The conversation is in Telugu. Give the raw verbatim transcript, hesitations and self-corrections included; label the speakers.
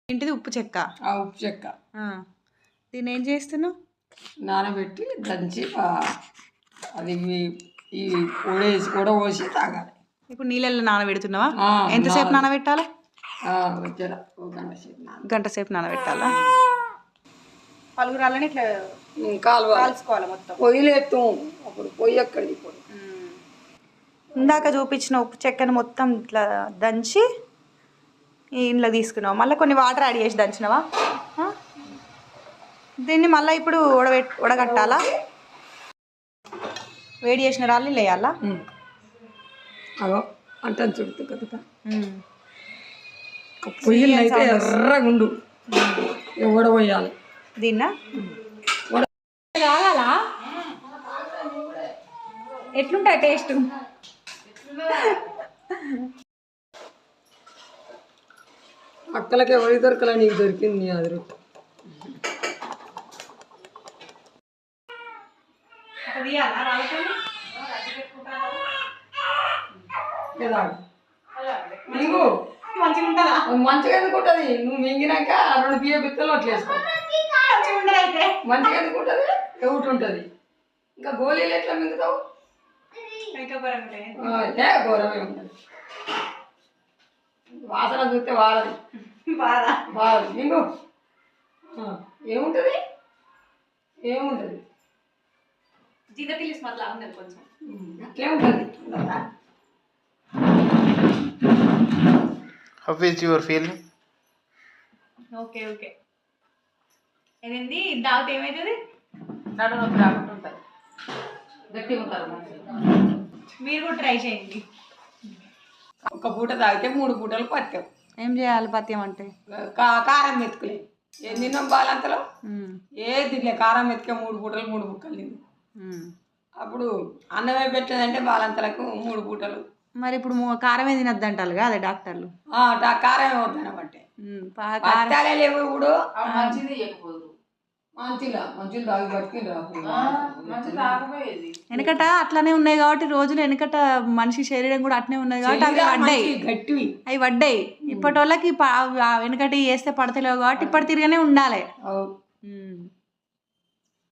Speaker 1: ఏంటిది ఉప్పు చెక్క?
Speaker 2: ఆ ఉప్పు చెక్క.
Speaker 1: దీన్ని ఏం చేస్తున్నావు?
Speaker 2: నానబెట్టి దంచి అది ఈ ఉడేసి ఉడవోసి తాగాలి.
Speaker 1: ఇప్పుడు నీళ్ళల్లో నానబెడుతున్నావా? ఎంతసేపు నానబెట్టాలి? గంట సేపు నానబెట్టాలా? పలుగురాలని ఇట్లా కాల్చుకోవాలి మొత్తం.
Speaker 2: పొయ్యిలేస్తాం అప్పుడు పొయ్యి ఎక్కడిది ఇప్పుడు.
Speaker 1: ఇందాక చూపించిన ఉప్పు చెక్కను మొత్తం ఇట్లా దంచి ఇంట్లో తీసుకున్నావు. మళ్ళీ కొన్ని వాటర్ యాడ్ చేసి దంచినవా? దీన్ని మళ్ళీ ఇప్పుడు ఉడబెట్ ఉడగట్టాలా? వేడి చేసిన రాళ్ళు వేయాలా?
Speaker 2: అగో అంటే చుడుతు కదా పొయ్యిలు అయితే ఎర్రగుండు ఉడబోయాలి.
Speaker 1: దీన్నా కావాలా? ఎట్లుంటాయి టేస్ట్?
Speaker 2: అక్కలకి ఎవరి దొరకలే, నీకు దొరికింది అది రొట్టె. మంచిగా ఎందుకుంటుంది? నువ్వు మింగినాక రెండు బియ్య బిత్తలు అట్లా వేసుకో. మంచిగా ఎందుకుంటుంది? ఎవటి ఉంటుంది. ఇంకా గోళీలు ఎట్లా మింగుతావు? ఏ ఘోరమే ఉంటుంది. వాసన చూస్తే వాడది బాధ మింగు. ఏముంటుంది? ఏముంటుంది?
Speaker 1: జిగతిలి మళ్ళీ ఉన్నది కొంచెం
Speaker 2: అట్లే ఉంటుంది.
Speaker 3: How is your feeling?
Speaker 1: Okay okay. ఏదండి తాగితే ఏమవుతుంది?
Speaker 2: నడు నొప్పి రాకుండా ఉంటుంది, గట్టిగా ఉంటారు.
Speaker 1: మీరు కూడా ట్రై చేయండి.
Speaker 2: ఒక పూట తాగితే మూడు పూటలు పత్యం.
Speaker 1: ఏం చేయాలి పత్యం అంటే?
Speaker 2: కారం మెతుకులే ఏ తిన్నాం బాలంతలో ఏ తినలే. కారం మెతుకే మూడు పూటలు మూడు ముక్కలు తింది. అప్పుడు అన్నమే పెట్టలేదంటే బాలంతలకు మూడు పూటలు.
Speaker 1: మరి ఇప్పుడు కారమే తినద్దు అంటారు కదా డాక్టర్లు.
Speaker 2: కారమే వద్దనబట్టే పత్యాలే లేవు. ఇప్పుడు మంచిది చెప్పదు. మంచిగా మంచిగా తాగి బతికి
Speaker 1: వెనకట అట్లానే ఉన్నాయి కాబట్టి రోజులు వెనకట మనిషి శరీరం కూడా అట్నే ఉన్నది కాబట్టి అవి పడ్డాయి
Speaker 2: గట్టివి
Speaker 1: అవి పడ్డాయి. ఇప్పటి వాళ్ళకి వెనకటి వేస్తే పడతలేవు కాబట్టి ఇప్పటి తిరిగానే ఉండాలి.